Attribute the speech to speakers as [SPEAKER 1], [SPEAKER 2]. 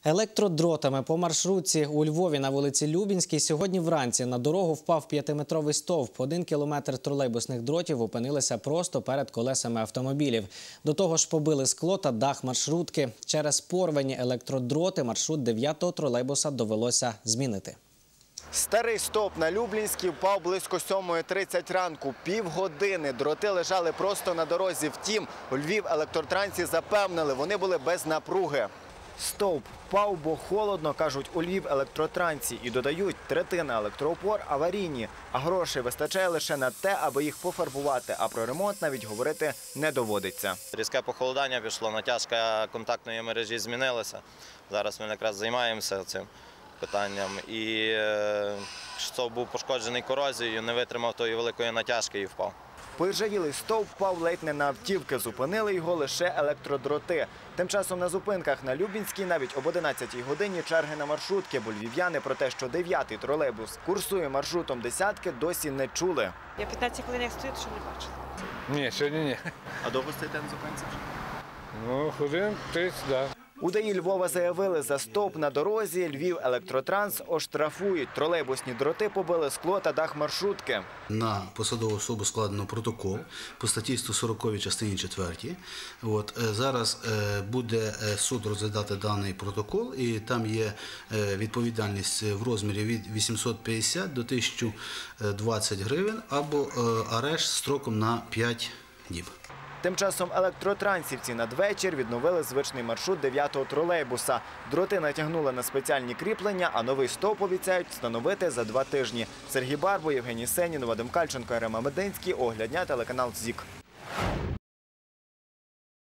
[SPEAKER 1] Електродротами по маршрутці у Львові на вулиці Любінській сьогодні вранці на дорогу впав 5-метровий стовп. 1 кілометр тролейбусних дротів опинилися просто перед колесами автомобілів. До того ж побили скло та дах маршрутки. Через порвані електродроти маршрут 9-го тролейбуса довелося змінити.
[SPEAKER 2] Старий стовп на Люблінській впав близько 7:30 ранку. Півгодини дроти лежали просто на дорозі. Втім, у Львівелектротрансі запевнили, вони були без напруги. Стовп впав, бо холодно, кажуть у Львівелектротрансі. І додають, третина електроопор аварійні, а грошей вистачає лише на те, аби їх пофарбувати. А про ремонт навіть говорити не доводиться.
[SPEAKER 3] Різке похолодання пішло, натяжка контактної мережі змінилася. Зараз ми якраз займаємося цим питанням. І стовп був пошкоджений корозією, не витримав тої великої натяжки і впав.
[SPEAKER 2] Поіржавілий стовп впав ледь не на автівки, зупинили його лише електродроти. Тим часом на зупинках на Любінській навіть об 11-й годині черги на маршрутки, бо львів'яни про те, що 9-й тролейбус курсує маршрутом десятки, досі не чули.
[SPEAKER 4] Я 15 хвилин як стою, то ще не бачила.
[SPEAKER 5] Ні, сьогодні ні.
[SPEAKER 2] А довго стоїте на зупинці?
[SPEAKER 5] Ну, хвилин 30, так.
[SPEAKER 2] У ДАІ Львова заявили, за стовп на дорозі Львівелектротранс оштрафують. Тролейбусні дроти побили скло та дах маршрутки.
[SPEAKER 6] На посадову особу складено протокол по статті 140 частині 4. Зараз буде суд розглядати даний протокол, і там є відповідальність в розмірі від 850 до 1020 гривень або арешт строком на 5 діб.
[SPEAKER 2] Тим часом електротрансівці надвечір відновили звичний маршрут 9-го тролейбуса. Дроти натягнули на спеціальні кріплення, а новий стовп обіцяють встановити за 2 тижні. Сергій Барбо, Євгеній Сенін, Вадим Кальченко, Ірема Мединський. Огляд дня, телеканал ЗІК.